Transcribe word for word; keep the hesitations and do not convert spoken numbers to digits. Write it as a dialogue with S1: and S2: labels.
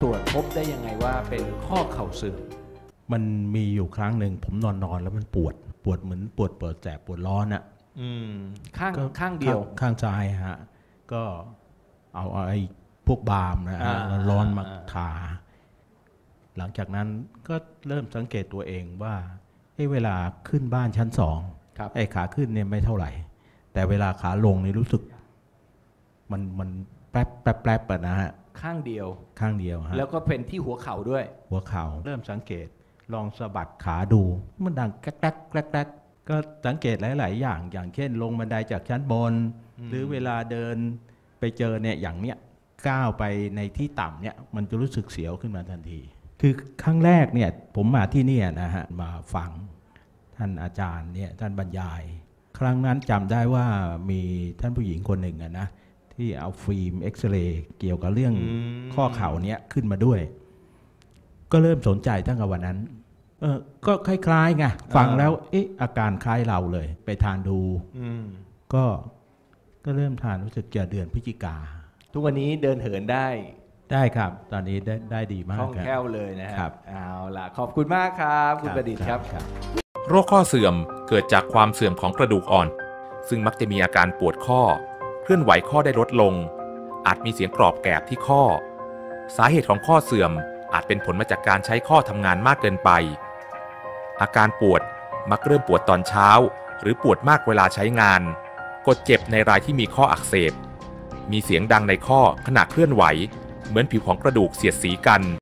S1: ตรวจพบได้ยังไงว่าเป็นข้อเข่าเสื่อม
S2: มันมีอยู่ครั้งหนึ่งผมนอนนอนแล้วมันปวดปวดเหมือนปวดปวดแสบปวดร้อนอ่ะ
S1: ข้างข้างเดียว
S2: ข้างซ้ายฮะก็เอาไอ้พวกบาล์มนะร้อนมาทาหลังจากนั้นก็เริ่มสังเกตตัวเองว่าเวลาขึ้นบ้านชั้นสองไอ้ขาขึ้นเนี่ยไม่เท่าไหร่แต่เวลาขาลงนี่รู้สึกมันมันแป๊บแป๊บแป๊บนะฮะ
S1: ข้างเดียว
S2: ข้างเดียวฮะ
S1: แล้วก็เป็นที่หัวเข่าด้วย
S2: หัวเข่าเริ่มสังเกตลองสะบัดขาดูมันดังแกรกแกรกแกรกแกรกก็สังเกตหลายๆอย่างอย่างเช่นลงบันไดจากชั้นบนหรือเวลาเดินไปเจอเนี่ยอย่างเนี้ยก้าวไปในที่ต่ำเนี่ยมันจะรู้สึกเสียวขึ้นมาทันทีคือครั้งแรกเนี่ยผมมาที่นี่นะฮะมาฟังท่านอาจารย์เนี่ยท่านบรรยายครั้งนั้นจำได้ว่ามีท่านผู้หญิงคนหนึ่งนะที่เอาฟิล์มเอ็กซเรย์เกี่ยวกับเรื่องข้อเข่าเนี้ยขึ้นมาด้วยก็เริ่มสนใจตั้งแต่วันนั้นเออก็คล้ายๆไงฟังแล้วเอ๊ะอาการคล้ายเราเลยไปทานดูก็ก็เริ่มทานรู้สึกจะเดือนพฤศจิกา
S1: ทุกวันนี้เดินเหินได้
S2: ได้ครับตอนนี้ได้ได้ดีมากคล่
S1: องแคล่วเลยนะครับเอาล่ะขอบคุณมากครับคุณประดิษฐ์ครับ
S3: โรคข้อเสื่อมเกิดจากความเสื่อมของกระดูกอ่อนซึ่งมักจะมีอาการปวดข้อเคลื่อนไหวข้อได้ลดลงอาจมีเสียงกรอบแกรบที่ข้อสาเหตุของข้อเสื่อมอาจเป็นผลมาจากการใช้ข้อทำงานมากเกินไปอาการปวดมักเริ่มปวดตอนเช้าหรือปวดมากเวลาใช้งานกดเจ็บในรายที่มีข้ออักเสบมีเสียงดังในข้อขณะเคลื่อนไหวเหมือนผิวของกระดูกเสียดสีกัน